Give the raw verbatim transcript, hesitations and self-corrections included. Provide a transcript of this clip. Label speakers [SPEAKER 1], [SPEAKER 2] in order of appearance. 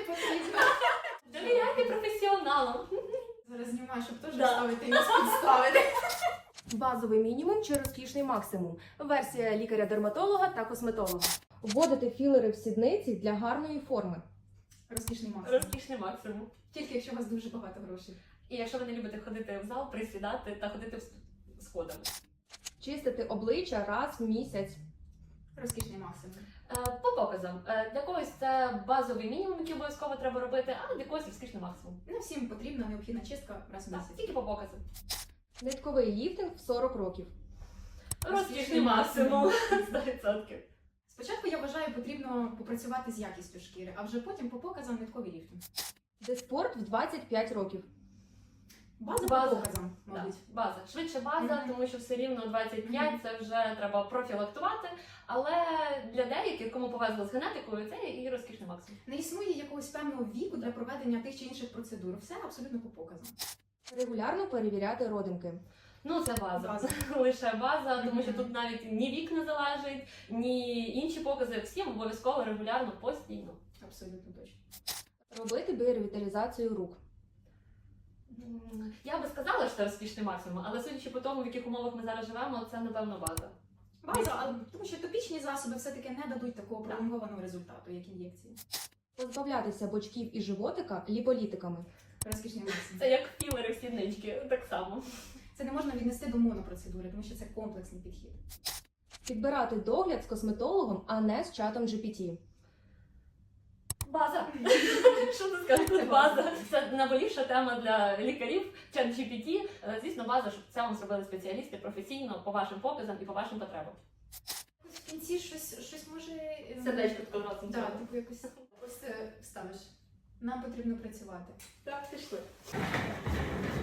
[SPEAKER 1] потрібно.
[SPEAKER 2] Довіряйте професіоналам.
[SPEAKER 1] Зараз знімаю, щоб теж
[SPEAKER 2] Да.
[SPEAKER 1] ставити і нас підставити.
[SPEAKER 3] Базовий мінімум чи розкішний максимум. Версія лікаря-дерматолога та косметолога. Вводити філери в сідниці для гарної форми.
[SPEAKER 1] Розкішний максимум.
[SPEAKER 2] Розкішний максимум.
[SPEAKER 1] Тільки якщо у вас дуже багато грошей.
[SPEAKER 2] І якщо ви не любите ходити в зал, присідати та ходити в- сходами.
[SPEAKER 3] Чистити обличчя раз в місяць.
[SPEAKER 1] Розкішний максимум.
[SPEAKER 2] Е, По показам. Е, Для когось це базовий мінімум, який обов'язково треба робити, а для когось розкішний максимум.
[SPEAKER 1] Не всім потрібна необхідна чистка раз в
[SPEAKER 2] Так,
[SPEAKER 1] місяць.
[SPEAKER 2] тільки по показам.
[SPEAKER 3] Нитковий ліфтинг в сорок років.
[SPEAKER 2] Розкішний максимум. сто відсотків.
[SPEAKER 1] Спочатку, я вважаю, потрібно попрацювати з якістю шкіри, а вже потім по показам нитковий ліфтинг.
[SPEAKER 3] Деспорт в двадцять п'ять років.
[SPEAKER 1] База,
[SPEAKER 2] База.
[SPEAKER 1] по показам,
[SPEAKER 2] Так,
[SPEAKER 1] мабуть.
[SPEAKER 2] база. Швидше база,
[SPEAKER 1] Мгм.
[SPEAKER 2] тому що все рівно двадцять п'ять це вже треба профілактувати. Але для деяких, кому повезло з генетикою, це і розкішний максимум.
[SPEAKER 1] Не існує якогось певного віку для проведення тих чи інших процедур. Все абсолютно по показам.
[SPEAKER 3] Регулярно перевіряти родимки.
[SPEAKER 2] Ну, це база.
[SPEAKER 1] База.
[SPEAKER 2] Лише база, тому що
[SPEAKER 1] Мгм.
[SPEAKER 2] тут навіть ні вік не залежить, ні інші покази. Всім обов'язково регулярно, постійно.
[SPEAKER 1] Абсолютно точно.
[SPEAKER 3] Робити біоревіталізацію рук.
[SPEAKER 2] М, Я би сказала, що це розкішний максимум, але судячи по тому, в яких умовах ми зараз живемо, це напевно база.
[SPEAKER 1] База, а тому що топічні засоби все-таки не дадуть такого пролонгованого результату, як ін'єкції.
[SPEAKER 3] Позбавлятися бочків і животика ліполітиками.
[SPEAKER 1] Розкішний максимум.
[SPEAKER 2] Це як філери в сіднички, так само.
[SPEAKER 1] Це не можна віднести до монопроцедури, тому що це комплексний підхід.
[SPEAKER 3] Підбирати догляд з косметологом, а не з чатом джі пі ті.
[SPEAKER 2] База. Що ти скажеш?
[SPEAKER 1] Це
[SPEAKER 2] База.
[SPEAKER 1] база.
[SPEAKER 2] Це наболівша тема для лікарів, чат джі пі ті. Е, Звісно, база, щоб це вам зробили спеціалісти професійно по вашим показам і по вашим потребам.
[SPEAKER 1] В кінці щось, щось може... ем,
[SPEAKER 2] Сердечко таке разом.
[SPEAKER 1] Так, типу якось ось е, вставиш. Нам потрібно працювати.
[SPEAKER 2] Так, пішли.